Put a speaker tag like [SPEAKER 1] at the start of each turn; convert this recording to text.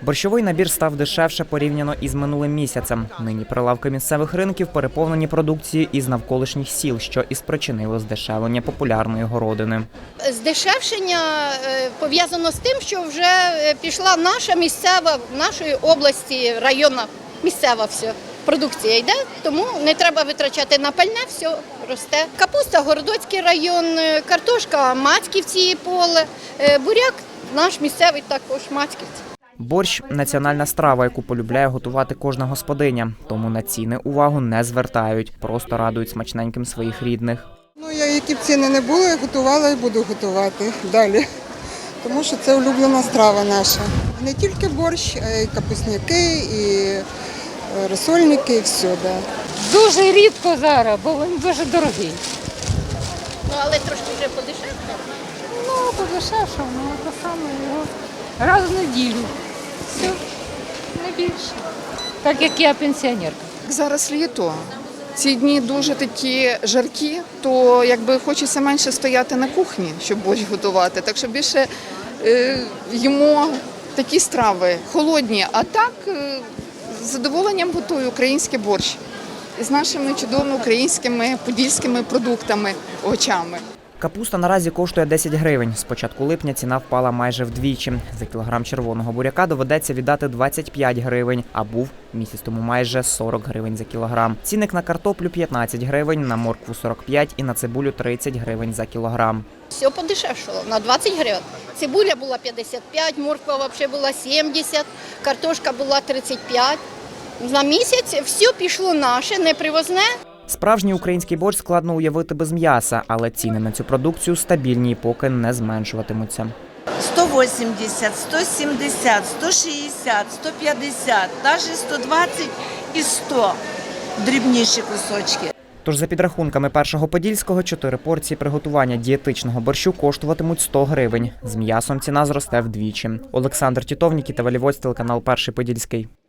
[SPEAKER 1] Борщовий набір став дешевше порівняно із минулим місяцем. Нині прилавки місцевих ринків переповнені продукцією із навколишніх сіл, що і спричинило здешевлення популярної городини.
[SPEAKER 2] Здешевшення пов'язано з тим, що вже пішла наша місцева, в нашої області, районна місцева все. Продукція йде, тому не треба витрачати на пальне, все росте. Капуста, Городоцький район, картошка, Мацьківці поле, буряк наш місцевий також Мацьківці.
[SPEAKER 1] Борщ – національна страва, яку полюбляє готувати кожна господиня. Тому на ціни увагу не звертають, просто радують смачненьким своїх рідних.
[SPEAKER 3] Які б ціни не були, я готувала і буду готувати далі. Тому що це улюблена страва наша. Не тільки борщ, а й капусняки, і розсольники, і все. Да.
[SPEAKER 4] Дуже рідко зараз, бо він дуже дорогий.
[SPEAKER 2] Але трошки вже подешевше.
[SPEAKER 4] Подешевше, те саме його раз в неділю. Все, не більше. Так як я пенсіонерка.
[SPEAKER 5] Зараз літо. Ці дні дуже такі жаркі, то якби хочеться менше стояти на кухні, щоб борщ готувати. Так що більше їмо такі страви холодні, а так з задоволенням готую український борщ з нашими чудовими українськими подільськими продуктами, овочами.
[SPEAKER 1] Капуста наразі коштує 10 гривень. З початку липня ціна впала майже вдвічі. За кілограм червоного буряка доведеться віддати 25 гривень, а був місяць тому майже 40 гривень за кілограм. Цінник на картоплю 15 гривень, на моркву 45 і на цибулю 30 гривень за кілограм.
[SPEAKER 2] Все подешевшало на 20 гривень. Цибуля була 55, морква взагалі була 70, картошка була 35. На місяць все пішло наше, не привозне.
[SPEAKER 1] Справжній український борщ складно уявити без м'яса, але ціни на цю продукцію стабільні і поки не зменшуватимуться.
[SPEAKER 6] 180, 170, 160, 150, навіть 120 і 100 дрібніші кусочки.
[SPEAKER 1] Тож за підрахунками Першого Подільського, 4 порції приготування дієтичного борщу коштуватимуть 100 гривень. З м'ясом ціна зросте вдвічі. Олександр Тітов, Нікіта Валівоць, телеканал Перший Подільський.